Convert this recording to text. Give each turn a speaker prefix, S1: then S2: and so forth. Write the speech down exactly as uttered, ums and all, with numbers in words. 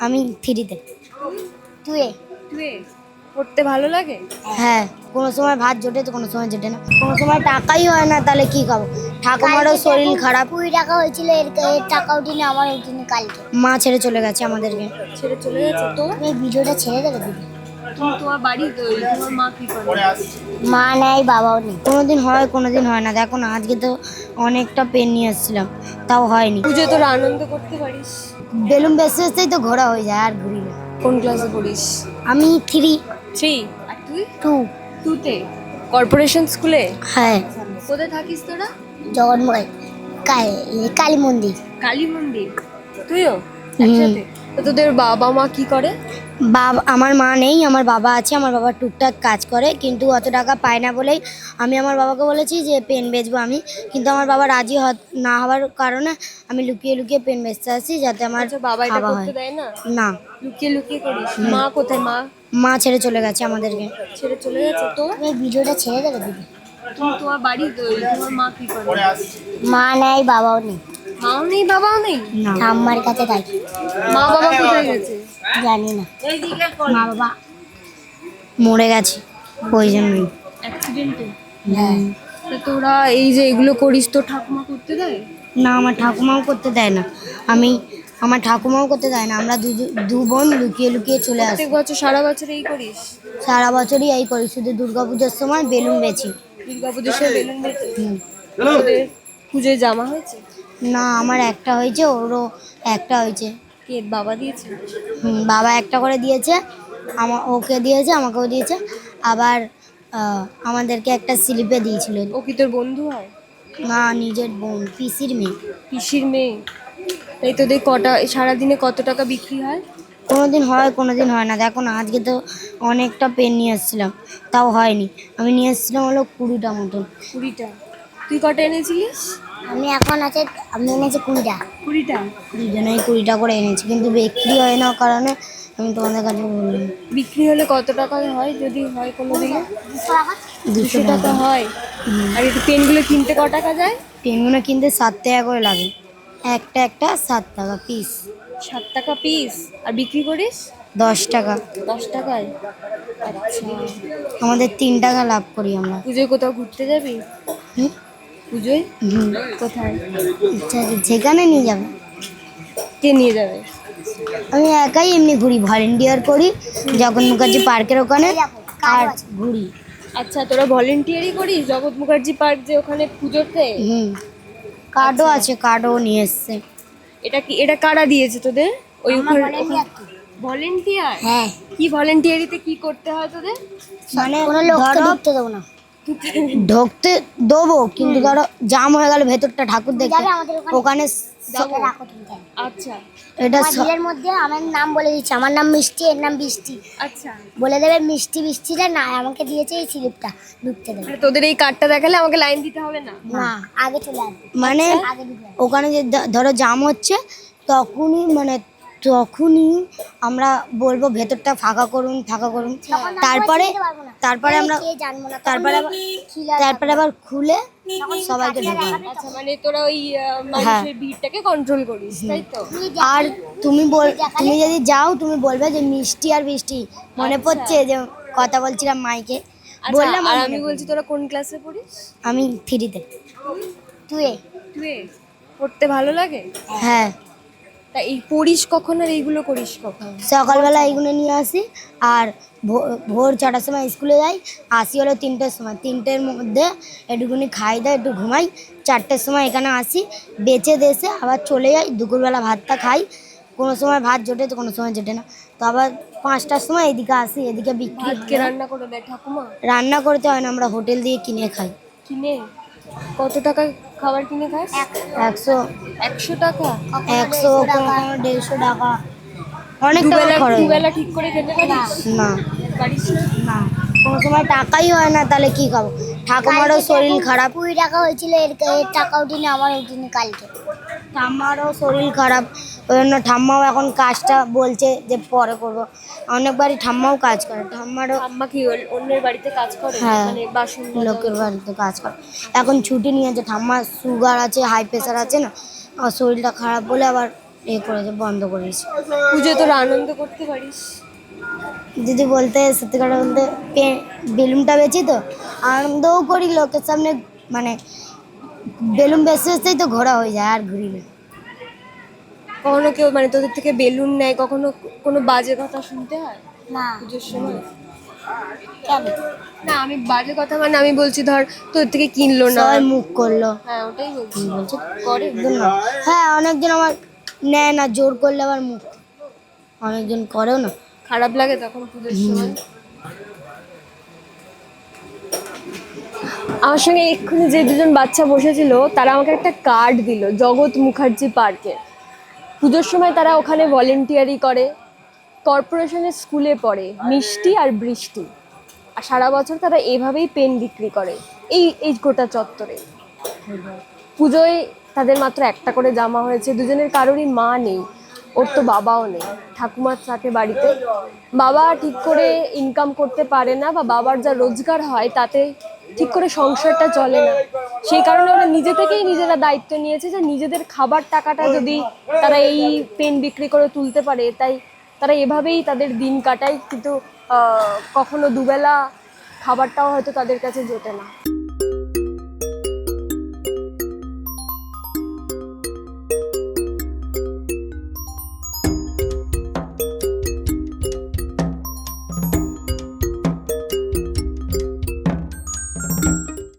S1: আমি থ্রিতে। টুয়ে।
S2: টুয়ে পড়তে ভালো লাগে?
S1: হ্যাঁ, কোনো সময় ভাত জোটে তো কোনো সময় জোটে না, কোনো সময় টাকাই হয় না, তাহলে কি খাবো? ঠাকুমারও শরীর খারাপ। কুড়ি টাকা হয়েছিল, এর এর টাকা উঠিনি, আমার উঠিনি কালকে। মা ছেড়ে চলে গেছে আমাদেরকে।
S2: ছেড়ে চলে গেছে তো?
S1: এই ভিডিওটা ছেড়ে দেবে দিদি।
S2: তুমি তোমার বাড়ি তোমার মা কি করে?
S1: মা নেই, বাবাও নেই। কোনোদিন হয় কোনোদিন হয় না। দেখো না, আজকে তো অনেকটা পেন নিয়ে এসেছিলাম, তাও হয়নি।
S2: পুজো তোরা আনন্দ করতে পারিস?
S1: বেলুন বেসতে বেসতেই তো ঘোরা হয়ে যায়, আর ঘুরি না।
S2: কোন ক্লাসে পড়িস?
S1: আমি থ্রি।
S2: থ্রি। আর তুই?
S1: টু।
S2: টুতে কর্পোরেশন স্কুলে?
S1: হ্যাঁ।
S2: কোথায় থাকিস তোরা?
S1: জগন্ময় কালী মন্দির।
S2: কালী মন্দির। তুইও একসাথে? তো তোদের বাবা মা কি করে?
S1: বাবা, আমার মা নেই, আমার বাবা আছে। আমার বাবা টুকটাক কাজ করে, কিন্তু অত টাকা পায় না বলেই আমি আমার বাবাকে বলেছি যে পেন বেচবো আমি, কিন্তু আমার বাবা রাজি না হওয়ার কারণে আমি লুকিয়ে লুকিয়ে পেন বেচতে আসি, যাতে আমার
S2: বাবা এটা
S1: খাওয়া
S2: করতে
S1: হয়
S2: দেয় না?
S1: না।
S2: লুকিয়ে লুকিয়ে করিস? মা কোথায়? মা
S1: মা ছেড়ে চলে গেছে আমাদেরকে।
S2: ছেড়ে চলে গেছে তো?
S1: এই ভিডিওটা ছেড়ে দেবে দিদি।
S2: তুমি তোমার বাড়ি তোমার মা কি করে?
S1: মা নেই, বাবাও নেই।
S2: মাও নেই, বাবাও নেই?
S1: ঠাম্মার কাছে থাকি।
S2: মা বাবা কোথায় গেছে?
S1: জানি না, মা বাবা মরে গেছে ওই জন্যই।
S2: অ্যাক্সিডেন্টে?
S1: হ্যাঁ।
S2: তো তোরা এই যে এগুলো করিস, তো ঠাকুমা করতে দেয়
S1: না? আমার ঠাকুমাও করতে দেয় না। আমি আমার ঠাকুমাও করতে দেয় না। আমরা দু দু বোন লুকিয়ে লুকিয়ে চলে আসি।
S2: প্রত্যেক বছর সারা বছর এই করিস?
S1: সারা বছরই এই করি, শুধু দুর্গাপুজোর সময় বেলুন বেচি।
S2: দুর্গাপুজোর সময় বেলুন বেচি? তোদের পুজোয় জামা হয়েছে?
S1: না, আমার একটা হয়েছে, ওরও একটা হয়েছে।
S2: কে বাবা দিয়েছে?
S1: হুম, বাবা একটা করে দিয়েছে, আমার ওকে দিয়েছে, আমাকেও দিয়েছে। আবার আমাদেরকে একটা স্লিপে দিয়েছিল।
S2: ও কি তোর বন্ধু হয়?
S1: না, নিজের বোন, পিসির মেয়ে।
S2: পিসির মেয়ে? তাই তোদের কটা সারাদিনে কত টাকা বিক্রি হয়?
S1: কোনোদিন হয় কোনোদিন হয় না। দেখো না, আজকে তো অনেকটা পেন নিয়ে এসেছিলাম, তাও হয়নি। আমি নিয়ে এসেছিলাম হলো কুড়িটা মতন।
S2: কুড়িটা? তুই কটা এনেছিলিস?
S1: আমি এখন আছে, আমি এনেছি কুড়িটা।
S2: কুড়িটা?
S1: দুজনেই কুড়িটা করে এনেছি, কিন্তু বিক্রি হয় না কারণে আমি তোমাদের কাছে বললাম।
S2: বিক্রি হলে কত টাকা হয় যদি হয় কোনো দিনে? দুশো টাকা হয়? আর এই পেনগুলো কিনতে ক টাকা যায়?
S1: পেনগুলো কিনতে সাত টাকা করে লাগে, একটা একটা সাত টাকা পিস।
S2: সাত টাকা পিস? আর বিক্রি করিস?
S1: দশ টাকা।
S2: দশ টাকায়? আচ্ছা।
S1: আমাদের তিন টাকা লাভ করি আমরা।
S2: পুজোয় কোথাও ঘুরতে যাবি?
S1: হুম
S2: পুজোয়
S1: হুম
S2: কোথায়?
S1: আচ্ছা, যেখানে নিয়ে যাবে।
S2: কে নিয়ে যাবে?
S1: আমি একাই এমনি ঘুরি, ভলেন্টিয়ার করি জগৎ মুখার্জি পার্কের ওখানে, আর ঘুরি।
S2: আচ্ছা, তোরা ভলেন্টিয়ারই করিস জগৎ মুখার্জি পার্ক যে ওখানে পুজোতে?
S1: হুম, কার্ডও আছে, কার্ডও নিয়ে এসছে।
S2: এটা কি, এটা কারা দিয়েছে তোদের? ওই ভলেন্টিয়ার?
S1: হ্যাঁ।
S2: কি ভলেন্টিয়ারিতে কি করতে হয় তোদের?
S1: মানে কোনো লোককে ঢুকতে দেবো না। ঢুকতে দেবো, কিন্তু ধরো জাম হয়ে গেল ভেতরটা ঠাকুর দেখতে, ওখানে
S2: আচ্ছা,
S1: এটা ভিড়ের মধ্যে আমার নাম বলে দিচ্ছে, আমার নাম মিষ্টি, এর নাম বৃষ্টি।
S2: আচ্ছা,
S1: বলে দেবে মিষ্টি, বৃষ্টিটা না আমাকে দিয়েছে এই স্লিপটা, ঢুকতে দেবে।
S2: মানে তোদের এই কার্ডটা দেখালে আমাকে লাইন দিতে হবে না?
S1: না, আগে চলে আসবে। মানে ওখানে যে ধরো জাম হচ্ছে, তখনই মানে তখনই আমরা বলবো ভেতরটা ফাঁকা করুন, ফাঁকা করুন। তারপরে তারপরে আমরা তারপরে তারপরে আবার খুলে সবাইকে ঢোকাবো।
S2: আচ্ছা, মানে তোরা ওই মানুষের ভিড়টাকে কন্ট্রোল করিস, তাই তো?
S1: আর তুমি বল, তুমি যদি যাও তুমি বলবে যে মিষ্টি আর বৃষ্টি, মনে পড়ছে যে কথা বলছিলাম মাইকে, বললাম।
S2: আর আমি বলছি, তোরা কোন ক্লাসে পড়িস?
S1: আমি থ্রিতে। টুয়ে।
S2: টুয়ে পড়তে ভালো লাগে?
S1: হ্যাঁ।
S2: তা এই পড়িস কখন আর এইগুলো করিস কখন?
S1: সকালবেলা এইগুলো নিয়ে আসি, আর ভোর ছটার সময় স্কুলে যাই, আসি হলো তিনটের সময়। তিনটের মধ্যে একটুখানি খাই দাই, একটু ঘুমাই, চারটের সময় এখানে আসি, বেচে দেশে আবার চলে যাই। দুপুরবেলা ভাতটা খাই, কোনো সময় ভাত জোটে তো কোনো সময় জোটে না। তো আবার পাঁচটার সময় এদিকে আসি, এদিকে বিক্রি।
S2: কে রান্না করে দেয়? ঠাকুমা?
S1: রান্না করতে হয় না, আমরা হোটেল দিয়ে কিনে খাই।
S2: কিনে? কত টাকা খাবার কিনে খাস?
S1: একশো।
S2: একশো টাকা?
S1: একশো, দেড়শো টাকা, অনেক টাকা খরচ।
S2: দুবেলা ঠিক করে খেতে পারিস?
S1: না,
S2: পারিস না?
S1: কোনো সময় টাকাই হয় না, তাহলে কি খাবো? ঠাকুমারও শরীর খারাপ। কুড়ি টাকা হয়েছিল, এর এর টাকা উঠিনি, আমার উঠিনি কালকে। ঠাম্মারও শরীর খারাপ, ওই জন্য ঠাম্মাও এখন কাজটা বলছে যে পরে করবো। অনেকবারই ঠাম্মাও কাজ করে। ঠাম্মারও
S2: ঠাম্মা কি অন্যের বাড়িতে কাজ করে?
S1: হ্যাঁ,
S2: মানে বাসন
S1: লোকের বাড়িতে কাজ করে। এখন ছুটি নিয়েছে, ঠাম্মার সুগার আছে, হাই প্রেশার আছে না, আর শরীরটা খারাপ বলে আবার এ করেছে, বন্ধ করেছে।
S2: পুজো তোরা আনন্দ করতে পারিস?
S1: যদি বলতে সত্যি কথা বলতে পে- বেলুনটা বেচি তো আনন্দও করি লোকের সামনে, মানে বেলুন বেচতে বেচতেই তো ঘোরা হয়ে যায় আর ঘুরি না।
S2: কখনো কেউ মানে তোদের থেকে বেলুন নেয়, কখনো কোনো বাজে কথা শুনতে হয়
S1: না
S2: পুজোর সময়?
S1: কেন
S2: না আমি বাজে কথা মানে আমি বলছি ধর তোদের থেকে কিনলো না।
S1: সবাই মুখ করলো,
S2: হ্যাঁ ওটাই বলছি।
S1: বলছে
S2: করে
S1: একজন না। হ্যাঁ অনেকজন আমার নেয় না, জোর করলে আবার মুখ, অনেকজন করেও না।
S2: খারাপ লাগে তখন পুজোর সময়। আমার সঙ্গে এক্ষুনি যে দুজন বাচ্চা বসেছিল তারা আমাকে একটা কার্ড দিল জগৎ মুখার্জি পার্কে। পুজোর সময় তারা ওখানে ভলেন্টিয়ারি করে, কর্পোরেশনের স্কুলে পড়ে, মিষ্টি আর বৃষ্টি। আর সারা বছর তারা এভাবেই পেন বিক্রি করে এই এই গোটা চত্বরে। পুজোয় তাদের মাত্র একটা করে জামা হয়েছে, দুজনের কারোরই মা নেই, ওর তো বাবাও নেই, ঠাকুমা থাকে বাড়িতে। বাবা ঠিক করে ইনকাম করতে পারে না, বা বাবার যা রোজগার হয় তাতে ঠিক করে সংসারটা চলে না। সেই কারণে ওরা নিজে থেকেই নিজেরা দায়িত্ব নিয়েছে যে নিজেদের খাবার টাকাটা যদি তারা এই পেন বিক্রি করে তুলতে পারে, তাই তারা এভাবেই তাদের দিন কাটায়। কিন্তু আহ, কখনো দুবেলা খাবারটাও হয়তো তাদের কাছে জোটে না।